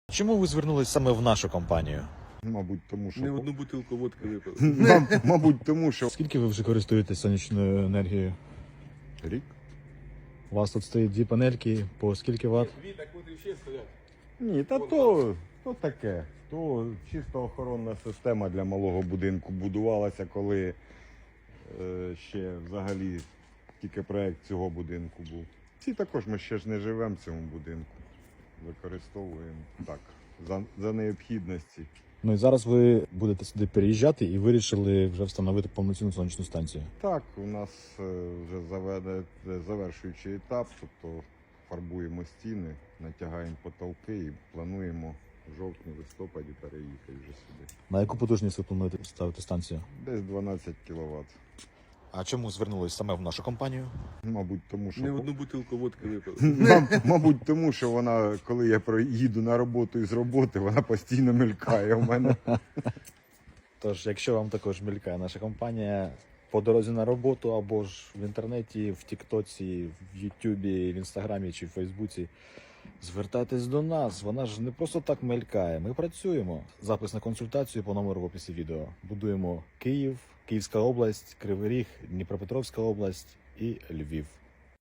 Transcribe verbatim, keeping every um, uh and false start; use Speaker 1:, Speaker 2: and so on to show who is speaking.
Speaker 1: Чому ви звернулись саме в нашу компанію?
Speaker 2: Мабуть, тому що
Speaker 3: Не одну бутилку водки випили.
Speaker 2: Мам- мабуть, тому що
Speaker 1: Скільки ви вже користуєтесь сонячною енергією?
Speaker 2: рік.
Speaker 1: У вас тут стоїть дві панельки, по скільки ватт?
Speaker 3: Дві так от і ще стоять.
Speaker 2: Ні, та то, то таке. То чисто охоронна система для малого будинку будувалася, коли е, ще взагалі тільки проект цього будинку був. Всі також ми ще ж не живемо в цьому будинку. Використовуємо так, за, за необхідності.
Speaker 1: Ну і зараз ви будете сюди переїжджати і вирішили вже встановити повноцінну сонячну станцію.
Speaker 2: Так, у нас е, вже заведе, завершуючий етап, тобто фарбуємо стіни, натягаємо потолки і плануємо в жовтні-листопаді переїхати вже сюди.
Speaker 1: На яку потужність ви плануєте ставити станцію?
Speaker 2: Десь дванадцять кіловат.
Speaker 1: А чому звернулись саме в нашу компанію?
Speaker 2: Мабуть, тому що
Speaker 3: Не одну бутилку водки випили.
Speaker 2: Мам- мабуть, тому що вона, коли я проїду на роботу і з роботи, вона постійно мелькає у мене.
Speaker 1: Тож, якщо вам також мількає наша компанія по дорозі на роботу або ж в інтернеті, в Тіктоці, в Ютубі, в Інстаграмі чи в Фейсбуці, звертайтесь до нас. Вона ж не просто так мелькає. Ми працюємо. Запис на консультацію по номеру в описі відео. Будуємо Київ, Київська область, Кривий Ріг, Дніпропетровська область і Львів.